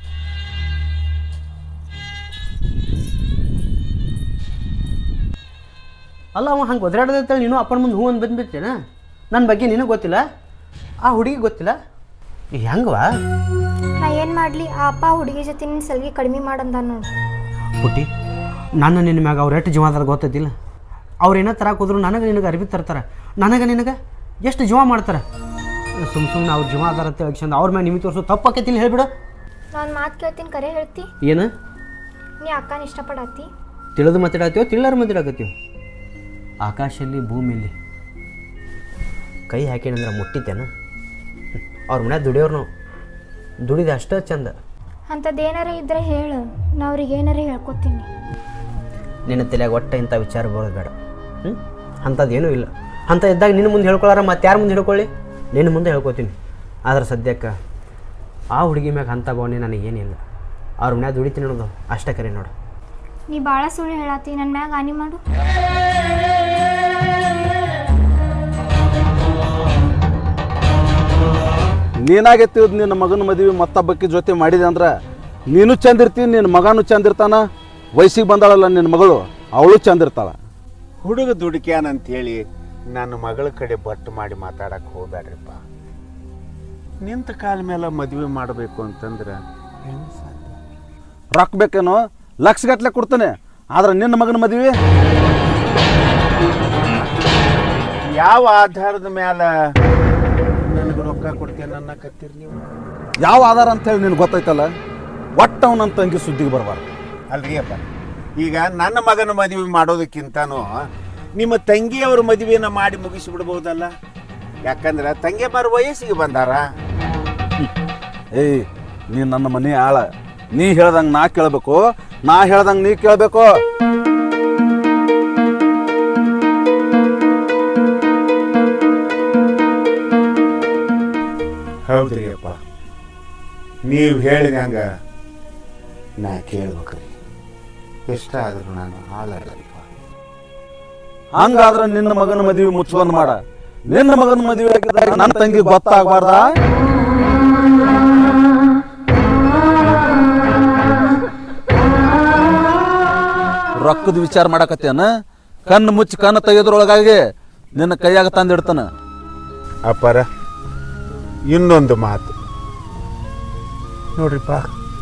C: ಅಲ್ಲ ಅವ ಹಂಗೆ ಒದರಾಡದಂತೇಳಿ ನೀನು ಅಪ್ಪನ ಮುಂದೆ ಹೂ ಅಂತ ಬಂದ್ಬಿಡ್ತೇನೆ. ನನ್ನ ಬಗ್ಗೆ ನಿನಗೆ ಗೊತ್ತಿಲ್ಲ, ಆ ಹುಡುಗಿ ಗೊತ್ತಿಲ್ಲ, ಹೆಂಗವಾ?
D: ನಾ ಏನು ಮಾಡಲಿ, ಆ ಅಪ್ಪ ಹುಡುಗಿ ಜೊತೆ ನಿನ್ನ ಸಲ್ಗಿ ಕಡಿಮೆ ಮಾಡಂದ ನೋಡಿ.
C: ಪುಟ್ಟಿ, ನಾನು ನಿನ್ನ ಮ್ಯಾಗ ಅವ್ರು ಎಷ್ಟು ಜೀವ ಅದಾರ ಗೊತ್ತೈತಿಲ್ಲ. ಅವ್ರು ಏನೋ ತರಕ್ಕೆ ಹೋದ್ರು ನನಗೆ ನಿನಗೆ ಅರಿವಿ ತರ್ತಾರೆ, ನನಗೆ ನಿನಗೆ ಎಷ್ಟು ಜೀವ ಮಾಡ್ತಾರೆ. ಸುಮ್ಮ ಸುಮ್ಮನೆ ಅವ್ರು ಜೀವ ಅದಾರ ಅಂತ ಹೇಳ್ಕೊಂಡು ಅವ್ರ ಮ್ಯಾಗ ನಿಮಗೆ ತೋರಿಸೋ ತಪ್ಪಾಕೈತಿಲ್ಲ ಹೇಳ್ಬಿಡು.
D: ನಾನು ಮಾತು ಕೇಳ್ತೀನಿ, ಕರೆ ಹೇಳ್ತಿ.
C: ಏನು
D: ನೀ ಅಕ್ಕನ ಇಷ್ಟಪಡತ್ತಿ?
C: ತಿಳಿದು ಮಾತಾಡತ್ತೀವೋ ತಿಳಿಲಾರ ಮಾತಾಡಕತ್ತೀವೋ? ಆಕಾಶಲ್ಲಿ ಭೂಮಿಯಲ್ಲಿ ಕೈ ಹಾಕೇನಂದ್ರೆ ಮುಟ್ಟಿತೇನ? ಅವ್ರ ಮನ್ಯಾಗ ದುಡಿಯೋರು ನಾವು, ದುಡಿದ ಅಷ್ಟೇ ಚಂದ.
D: ಅಂಥದ್ದು ಏನಾರ ಇದ್ರೆ ಹೇಳು, ನಾ ಅವ್ರಿಗೆ ಏನಾರ ಹೇಳ್ಕೊತೀನಿ.
C: ನಿನ್ನ ತಲೆಯಾಗ ಒಟ್ಟ ಇಂಥ ವಿಚಾರ ಬರೋದು ಬೇಡ. ಹ್ಞೂ ಅಂಥದ್ದು ಏನೂ ಇಲ್ಲ. ಅಂಥ ಇದ್ದಾಗ ನಿನ್ನ ಮುಂದೆ ಹೇಳ್ಕೊಳ್ಳಾರ ಮತ್ತೆ ಯಾರು ಮುಂದೆ ಹೇಳ್ಕೊಳ್ಳಿ? ನಿನ್ನ ಮುಂದೆ ಹೇಳ್ಕೊತೀನಿ. ಆದ್ರೆ ಸದ್ಯಕ್ಕೆ ಆ ಹುಡುಗಿ ಮ್ಯಾಗ ಅಂಥ ಭಾವನೆ ನನಗೇನಿಲ್ಲ. ಅವ್ರ ಮನ್ಯಾಗ ದುಡಿತೀನಿ ಅನ್ನೋದು ಅಷ್ಟೇ ಕರೆ ನೋಡು.
D: ನೀ ಭಾಳ ಸುಳ್ಳು ಹೇಳತ್ತಿ, ನನ್ನ ಮ್ಯಾಗ ಹಾನಿ ಮಾಡು.
A: ನೀನಾಗೆತ್ತಿದ್ ನಿನ್ನ ಮಗನ ಮದುವೆ ಮತ್ತೊಬ್ಬಕ್ಕೆ ಜೊತೆ ಮಾಡಿದೆ ಅಂದ್ರೆ ನೀನು ಚಂದ ಇರ್ತೀನಿ, ನಿನ್ನ ಮಗನೂ ಚಂದ ಇರ್ತಾನ. ವಯಸ್ಸಿಗೆ ಬಂದಾಳಲ್ಲ ನಿನ್ನ ಮಗಳು, ಅವಳು ಚಂದ ಇರ್ತಾಳ.
E: ಹುಡುಗ ದುಡುಕ್ಯಾನಂತೇಳಿ ನನ್ನ ಮಗಳ ಕಡೆ ಬಟ್ಟು ಮಾಡಿ ಮಾತಾಡಕ್ಕೆ ಹೋಗ್ಬೇಡ್ರಿಪ್ಪ. ನಿಂತ ಕಾಲ ಮೇಲೆ ಮದುವೆ ಮಾಡಬೇಕು ಅಂತಂದ್ರೆ ಹೆಂಗೆ ಸಾಧ್ಯ?
A: ರೊಕ್ಕ ಬೇಕೇನೋ ಲಕ್ಷಗಟ್ಲೆ ಕೊಡ್ತಾನೆ, ಆದ್ರೆ ನಿನ್ನ ಮಗನ ಮದುವೆ
E: ಯಾವ ಆಧಾರದ ಮೇಲೆ ನನಗೆ ರೊಕ್ಕ ಕೊಡ್ತೇನೆ ನನ್ನ ಕತ್ತೀರಿ ನೀವು?
A: ಯಾವ ಆಧಾರ ಅಂತೇಳಿ ನಿನ್ಗೆ ಗೊತ್ತೈತಲ್ಲ. ಒಟ್ಟು ಅವನಂತ ತಂಗಿ ಸುದ್ದಿಗೆ ಬರಬಾರ್ದು.
E: ಅಲ್ರಿ ಅಪ್ಪ, ಈಗ ನನ್ನ ಮಗನ ಮದುವೆ ಮಾಡೋದಕ್ಕಿಂತನೂ ನಿಮ್ಮ ತಂಗಿಯವ್ರ ಮದುವೆನ ಮಾಡಿ ಮುಗಿಸಿಬಿಡ್ಬೋದಲ್ಲ. ಯಾಕಂದ್ರೆ ತಂಗಿಯಮ್ಮರ ವಯಸ್ಸಿಗೆ ಬಂದಾರ.
A: ಏಯ್, ನೀ ನನ್ನ ಮನೆ ಆಳ. ನೀ ಹೇಳ್ದಂಗೆ ನಾ ಕೇಳಬೇಕು, ನಾ ಹೇಳ್ದಂಗೆ ನೀ ಕೇಳಬೇಕು.
E: ಹೌದ್ರಿ ಅಪ್ಪ, ನೀವು ಹೇಳಿದಂಗ ನಾ ಕೇಳ್ಬೇಕ್ರಿ. ಇಷ್ಟ ಆದ್ರೂ ನಾನು ಹಾಳಾಡಲ್ಪ.
A: ಹಂಗಾದ್ರೆ ನಿನ್ನ ಮಗನ ಮದುವೆ ಮುಚ್ಚುವಂದ್ ಮಾಡ. ನಿನ್ನ ಮಗನ ಮದುವೆ ಆಗಿದ್ದಾಗ ನನ್ನ ತಂಗಿ ಗೊತ್ತಾಗಬಾರ್ದ? ರೊಕ್ಕದ ವಿಚಾರ ಮಾಡಕತ್ತೇನ? ಕಣ್ಣು ಮುಚ್ಚಿ ಕಣ್ಣು ತೆಗೆದ್ರೊಳಗಾಗಿ ನಿನ್ನ ಕೈಯಾಗ ತಂದಿಡ್ತಾನ.
E: ಅಪ್ಪರ, ಇನ್ನೊಂದು ಮಾತು ನೋಡ್ರಿಪ್ಪ,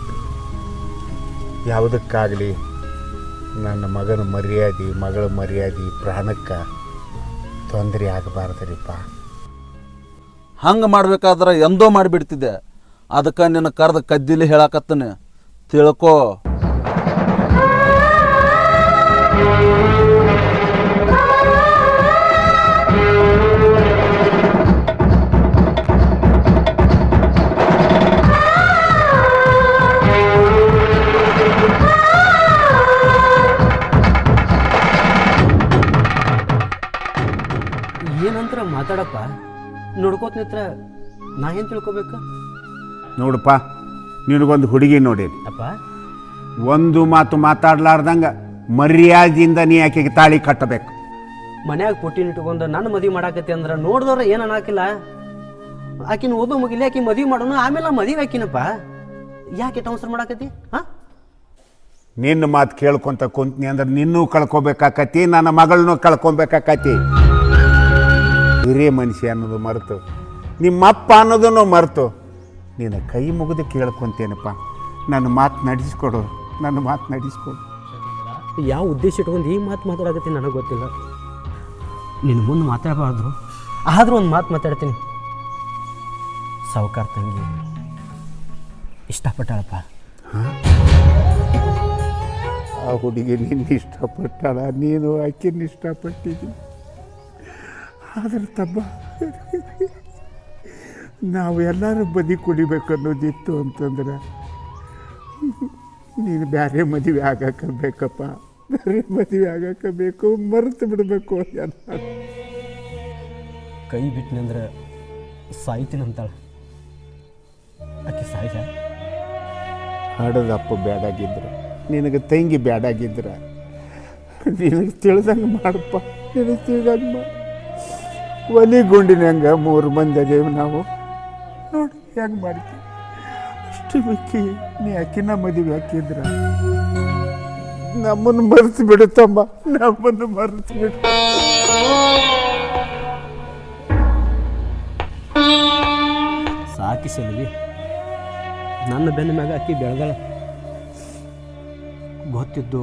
E: ಯಾವುದಕ್ಕಾಗಲಿ ನನ್ನ ಮಗನ ಮರ್ಯಾದೆ, ಮಗಳ ಮರ್ಯಾದೆ, ಪ್ರಾಣಕ್ಕೆ ತೊಂದರೆ ಆಗಬಾರ್ದ್ರಿಪ್ಪ.
A: ಹಂಗೆ ಮಾಡ್ಬೇಕಾದ್ರೆ ಎಂದೋ ಮಾಡಿಬಿಡ್ತಿದ್ದೆ. ಅದಕ್ಕೆ ನಿನ್ನ ಕರೆದ ಕದ್ದಿಲಿ ಹೇಳಕತ್ತನೆ, ತಿಳ್ಕೋ.
C: ಏನಂತರ ಮಾತಾಡಪ್ಪ, ನೋಡ್ಕೋತ ನಿತ್ರ ನಾ ಏನು ತಿಳ್ಕೊಬೇಕು?
E: ನೋಡಪ್ಪ, ನಿನಗೊಂದು ಹುಡುಗಿ ನೋಡೇನಿ
C: ಅಪ್ಪ.
E: ಒಂದು ಮಾತು ಮಾತಾಡ್ಲಾರ್ದಂಗ ಮರ್ಯಾದೆಯಿಂದ ನೀ ಆಕೆಗೆ ತಾಳಿ ಕಟ್ಟಬೇಕು.
C: ಮನ್ಯಾಗ ಪುಟ್ಟಿನ ಇಟ್ಕೊಂಡು ನನ್ನ ಮದುವೆ ಮಾಡಾಕತ್ತಿ ಅಂದ್ರೆ ನೋಡಿದವ್ರ ಏನು ಅನ್ನಕಿಲ್ಲ. ಆಕಿನ ಓದೋ ಮುಗಿಲಿ, ಆಕಿ ಮದುವೆ ಮಾಡೋಣ, ಆಮೇಲೆ ಮದುವೆ ಆಕಿನಪ್ಪ. ಯಾಕೆ ಟ್ರಾನ್ಸ್ಫರ್ ಮಾಡಾಕತ್ತಿ? ಹಾಂ,
E: ನಿನ್ನ ಮಾತು ಕೇಳ್ಕೊಂತ ಕುಂತ್ನಿ ಅಂದ್ರೆ ನಿನ್ನೂ ಕಳ್ಕೊಬೇಕಾಕತಿ, ನನ್ನ ಮಗಳನ್ನೂ ಕಳ್ಕೊಬೇಕಾಕತಿ. ಹಿರಿಯ ಮನುಷ್ಯ ಅನ್ನೋದು ಮರೆತು, ನಿಮ್ಮಪ್ಪ ಅನ್ನೋದನ್ನು ಮರೆತು ನಿನ್ನ ಕೈ ಮುಗಿದು ಕೇಳ್ಕೊತೇನಪ್ಪ. ನನ್ನ ಮಾತು ನಡೆಸ್ಕೊಡು, ನನ್ನ ಮಾತು ನಡೆಸ್ಕೊಡು.
C: ಯಾವ ಉದ್ದೇಶ ಇಟ್ಕೊಂಡು ಈ ಮಾತು ಮಾತಾಡಕತ್ತೀನಿ ನನಗೆ ಗೊತ್ತಿಲ್ಲ. ನಿನ್ನ ಮುಂದೆ ಮಾತಾಡಬಾರ್ದು, ಆದರೂ ಒಂದು ಮಾತು ಮಾತಾಡ್ತೀನಿ. ಸಾವುಕಾರ ತಂಗಿ ಇಷ್ಟಪಟ್ಟಾಳಪ್ಪ.
E: ಆ ಹುಡುಗಿ ನಿನ್ನ ಇಷ್ಟಪಟ್ಟಾಳ, ನೀನು ಆಕೆನ ಇಷ್ಟಪಟ್ಟಿದ್ದಿ. ಆದ್ರೆ ತಮ್ಮ, ನಾವು ಎಲ್ಲರೂ ಬದಿ ಕುಡಿಬೇಕು ಅನ್ನೋದಿತ್ತು ಅಂತಂದ್ರೆ ನೀನು ಬೇರೆ ಮದುವೆ ಆಗಕ್ಕೆ ಬೇಕಪ್ಪ, ಬೇರೆ ಮದುವೆ ಆಗಕ್ಕೆ ಬೇಕು, ಮರೆತು ಬಿಡಬೇಕು. ಎಲ್ಲ
C: ಕೈ ಬಿಟ್ಟನಂದ್ರೆ ಸಾಯ್ತೀನಿ ಅಂತಾಳೆ. ಆಕೆ ಸಾಯ್ಸ
E: ಹಡದಪ್ಪ ಬ್ಯಾಡಾಗಿದ್ರೆ ನಿನಗೆ ತಂಗಿ ಬ್ಯಾಡಾಗಿದ್ರೆ ನಿನಗೆ ತಿಳಿದಂಗೆ ಮಾಡಪ್ಪ, ನಿನಗೆ ತಿಳಿದಂಗೆ ಮಾಡು. ಒಲಿ ಗುಂಡಿನಂಗೆ ಮೂರು ಮಂದಿ ಅದೇವು ನಾವು, ನೋಡಿ ಹೆಂಗೆ ಮಾಡ್ತೀವಿ. ಅಷ್ಟು ಬೇಕಿ ನೀ ಅಕ್ಕಿನ ಮದುವೆ ಹಾಕಿದ್ರ ನಮ್ಮನ್ನು ಮರೆತು ಬಿಡುತ್ತಮ್ಮ, ನಮ್ಮನ್ನು ಮರೆತು ಬಿಡು.
C: ಸಾಕಿ ಸಲ್ವಿ, ನನ್ನ ಬೆನ್ನ ಮ್ಯಾಗ ಅಕ್ಕಿ ಬೆಳೆದಾಳ. ಗೊತ್ತಿದ್ದು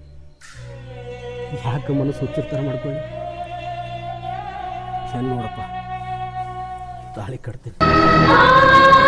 C: ಯಾಕೆ ಮನಸ್ಸು ಹುಚ್ಚಿರ್ತಾರ ಮಾಡ್ಕೊಳ್ಳಿ. ಹೆಣ್ಣು ನೋಡಪ್ಪ, ತಾಳಿ ಕಟ್ತೀನಿ.